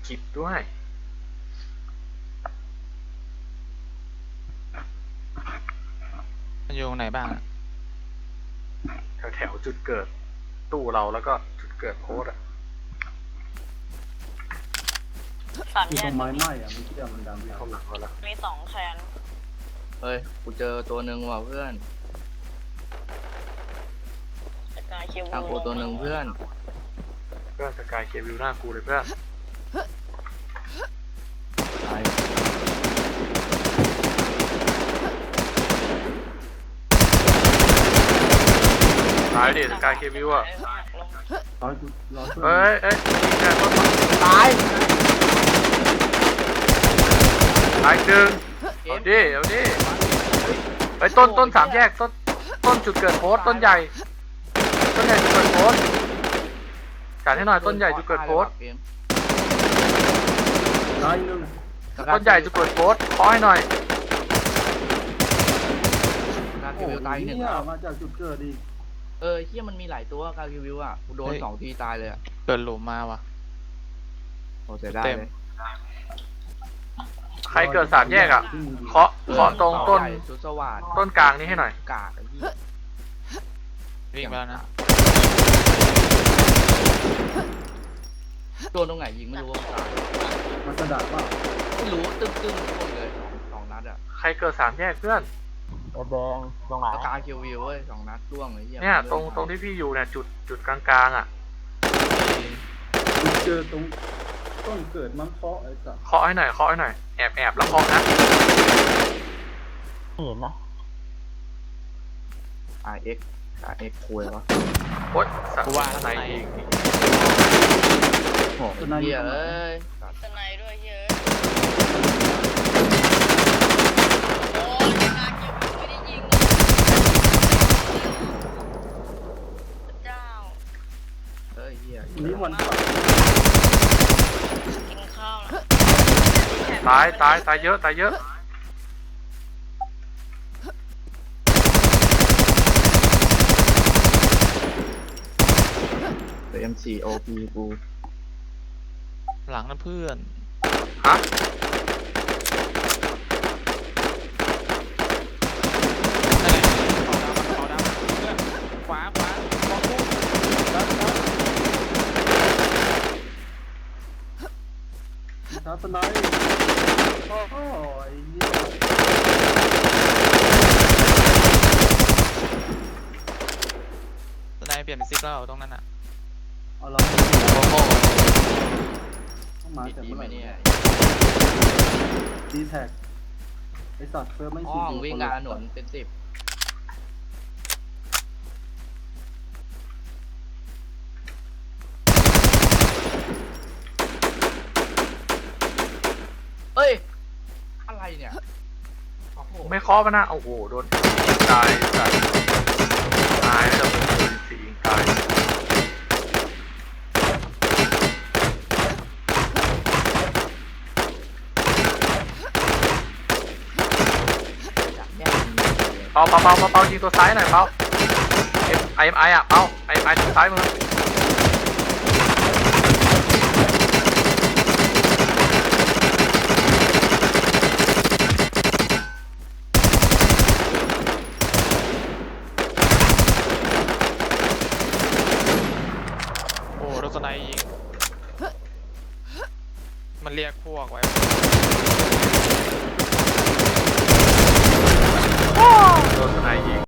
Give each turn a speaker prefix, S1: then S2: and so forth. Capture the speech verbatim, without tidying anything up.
S1: จิบด้วย
S2: มันอยู่ตรงไหนบ้างอะ
S1: แถวแถวจุดเกิดตู้เราแล้วก็จุดเกิดโค้ดอะ
S3: สาม
S4: มี
S3: แย
S4: ตร
S3: ก
S4: งไม้ไหม้อะมันเชื่อมันดำ
S1: มีข้างหลังเราแล้ว
S3: มีสองแคน
S5: เฮ้ย กูเจอตัวหนึ่งว่ะเพื่อน
S3: จากการคิว
S5: ทางกูตัวหนึ่งเพื่อน
S1: เพื่อนสกายเควิวหน้ากูเลยเพื่อน
S5: ตาย
S1: ตายดิสกายเควิวอะ
S4: ร้อยร้อยช่วย
S1: เอ้ยเอ้ยยิงแกต้น
S4: ตาย
S1: ตายหนึ่งเอาดิเอาดิเฮ้ยต้นต้นสามแยกต้นต้นจุดเกิดโค้ดต้นใหญ่ต้นใหญ่จุดเกิดโค้ดจัดให้หน่อยต้นใหญ่จุดเกิดโค้ด
S5: เกม
S4: ตายหนึ่ง
S1: ต้นใหญ่จุดเกิดโค้ดขอให้หน่อย
S5: การคิ
S4: โอ้
S5: ววิวตายอีกหนึ่ง
S4: เนี่ย
S5: แล้ว
S4: มาจากจุดเกิดอีก
S5: เออเฮียมันมีหลายตัวการคิววิวอ่ะ กูโดนสองทีตายเลยอ่ะ
S2: เกิดหลุมมาว่ะ
S5: โอ้เสียดาย
S2: เต็ม
S5: เลย
S1: ใครเกิดสามแยกอะเคาะเคาะตรงต้น
S5: ใหญ่ชุดสว่าน
S1: ต้นกลางนี้ให้หน่อย
S5: กากไอ้เหี้ย
S2: วิ่งไปแล้วนะ
S5: โดนตรงไหนยิงไม่รู้ว่ามันตาย
S4: มันกระดาษป่ะ
S5: ไม่รู้ตึ้งตึ้งๆหมดเลยสองสองนัดอ่ะ
S1: ใครเกิดสามแยกเพื่อน
S6: แดงตรงไหน
S5: แล้วการคิววิวเว้ยสองนัดร่วงเลยเหี้ย
S1: เนี่ยตรงตรงที่พี่อยู่เนี่ยจุดจุดกลางๆอ่ะ
S4: จุดเกิดตรงต้นเกิดมันเคาะไอ้สัส
S1: เคาะให้หน่อยเคาะให้หน่อยแอบแอบแล้วเคาะนะ
S6: ไม่เห็นนะ
S5: อาร์เอ็กอาร์เอ็กคุยวะ
S1: โอ๊ยสัตว์ไหนอีก
S5: โอ้โหไอ้เหี้ยเอ้ย
S3: สไนด้วยเยอะโอ้ยจากการคิวไม่ได้ยิงเลยพระเจ้า
S5: เฮ้ยเหี้ย
S4: นี่มันปัด
S3: กินข้าวแล้ว
S1: ตายตายตายเยอะตายเยอะ
S5: เอ็มซีโอพีกู
S2: หลังนะเพื่อน
S1: ฮะ
S2: นั่นแหละขาวดำขาวดำเพื่อนขวาขวาบอลพุ่งแล้วแล้ว
S4: ทัศนัยโอ้โหไอ้เหี้ย
S2: ตอนนายเปลี่ยนเป็นซิกแล้วตรงนั้นอ่ะ
S4: เอาเรา
S5: โอ้โห
S4: ต้องมา
S5: ติด
S4: จาก
S5: ดี
S4: เมื่อ
S5: ไห
S4: ไห
S5: ม
S4: ร่
S5: เนี่ย
S4: ดีแท็กไอ้สัตว์เฟิร์มไม่
S5: ห้
S4: สี่
S5: องวิ่งกลางถนนเป็นสิบเฮ้ย อะไรเนี่ยโอ้โห
S1: ไม่เคาะมันนะโอ้โหโดนยิงตายสัตว์ตายแล้วเป็นปืนสียิงตาย
S5: จากแยกยิงเลย
S1: เปาเปาเปาเปาเปายิงตัวซ้ายหน่อยเปาเอ็มไอเอ็มไออะเปาไอเอ็มไอตัวซ้ายมือ
S2: โอ้รถสไนยิงมันเรียกพวกไว้
S1: โดนสไนยิง